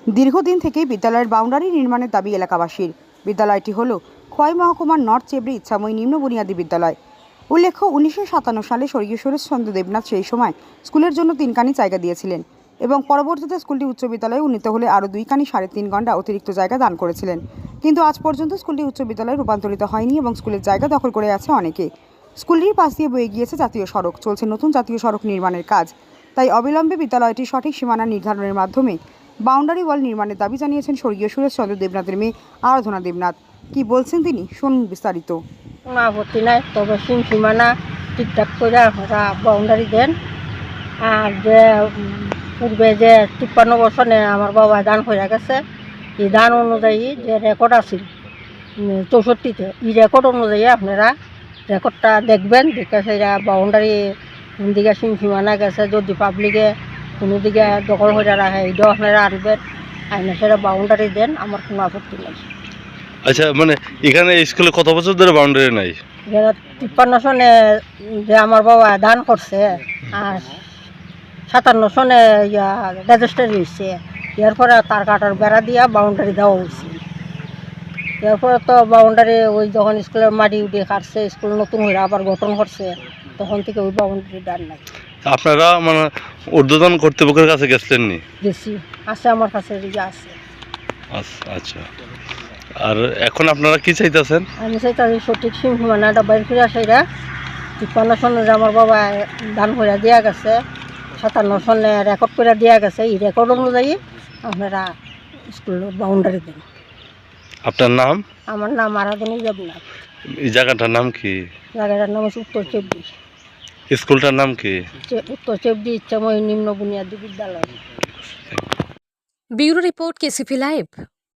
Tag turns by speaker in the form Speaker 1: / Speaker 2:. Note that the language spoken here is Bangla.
Speaker 1: দীর্ঘদিন থেকেই বিদ্যালয়ের বাউন্ডারি নির্মাণের দাবি এলাকাবাসীর। বিদ্যালয়টি হল খোয়াই মহকুমার নর্থ চেবড়ি ইচ্ছাময়ী নিম্ন বুনিয়াদী বিদ্যালয়। উল্লেখ্য 1957 সালে স্বর্গীয় সুরেশচন্দ্র দেবনাথ সেই সময় স্কুলের জন্য 3 কানি জায়গা দিয়েছিলেন এবং পরবর্তীতে স্কুলটি উচ্চ বিদ্যালয়ে উন্নীত হলে আরও 2 কানি 3.5 ঘন্টা অতিরিক্ত জায়গা দান করেছিলেন। কিন্তু আজ পর্যন্ত স্কুলটি উচ্চ বিদ্যালয়ে রূপান্তরিত হয়নি এবং স্কুলের জায়গা দখল করে আছে অনেকে। স্কুলটির পাশ দিয়ে বয়ে গিয়েছে জাতীয় সড়ক, চলছে নতুন জাতীয় সড়ক নির্মাণের কাজ। তাই অবিলম্বে বিদ্যালয়টির সঠিক সীমানা নির্ধারণের মাধ্যমে বাউন্ডারি ওয়াল নির্মাণের দাবি জানিয়েছেন স্বর্গীয় সুরেশচন্দ্র দেবনাথের মেয়ে আরাধনা দেবনাথ। কি বলছেন তিনি, শুনুন বিস্তারিত।
Speaker 2: কোনো আপত্তি নাই, তবে সীমানা ঠিকঠাক করে আপনারা বাউন্ডারি দেন। আর যে পূর্বে যে 53 বছরে আমার বাবা দান হয়ে গেছে, এই দান অনুযায়ী যে রেকর্ড আছে 64-তে, এই রেকর্ড অনুযায়ী আপনারা রেকর্ডটা দেখবেন, দেখে সেটা বাউন্ডারি কোন দিকে সীমানা গেছে, যদি পাবলিকে কোনো দিকে দখল হয়ে রাখে এটাও আপনারা আনবেন, আইনে সেটা বাউন্ডারি দেন, আমার কোনো আপত্তি নেই।
Speaker 3: আচ্ছা, মানে এখানে স্কুলে কত বছর ধরে বাউন্ডারি নাই?
Speaker 2: 53 সনে যে আমার বাবা দান করছে, আর 57 সনে রেজিস্ট্রারি হয়েছে, এরপরে তার কাটার বেড়া দিয়া বাউন্ডারি দেওয়া হয়েছে। এরপরে তো বাউন্ডারি ওই যখন স্কুলের মাটি উঠে কাটছে, স্কুল নতুন হয়ে আবার গঠন করছে, তখন থেকে ওই বাউন্ডারি দান নাই।
Speaker 3: আপনারা মানে ঊর্ধ্বতন কর্তৃপক্ষের কাছে গেছিলেন নি?
Speaker 2: গেছি, আছে আমার কাছে আছে।
Speaker 3: আচ্ছা, আর এখন আপনারা কি চাইতেছেন?
Speaker 2: আমি চাই তাদের সঠিক সীমানাটা বাইর করে সেটা 53 সনে যে আমার বাবা দান করে দেওয়া গেছে, 57 সনে রেকর্ড করে দেওয়া গেছে, এই রেকর্ড অনুযায়ী আপনারা স্কুল বাউন্ডারি দেন।
Speaker 3: আপনার নাম?
Speaker 2: আমার নাম আরাধনা দেবনাথ।
Speaker 3: এই জায়গাটার নাম কি?
Speaker 2: জায়গাটার নাম হচ্ছে উত্তর চেবড়ি।
Speaker 3: স্কুলটার নাম কি?
Speaker 2: উত্তর চেবড়ি ইচ্ছাময়ী নিম্ন বুনিয়াদী বিদ্যালয়।
Speaker 4: Bureau report, KCP live.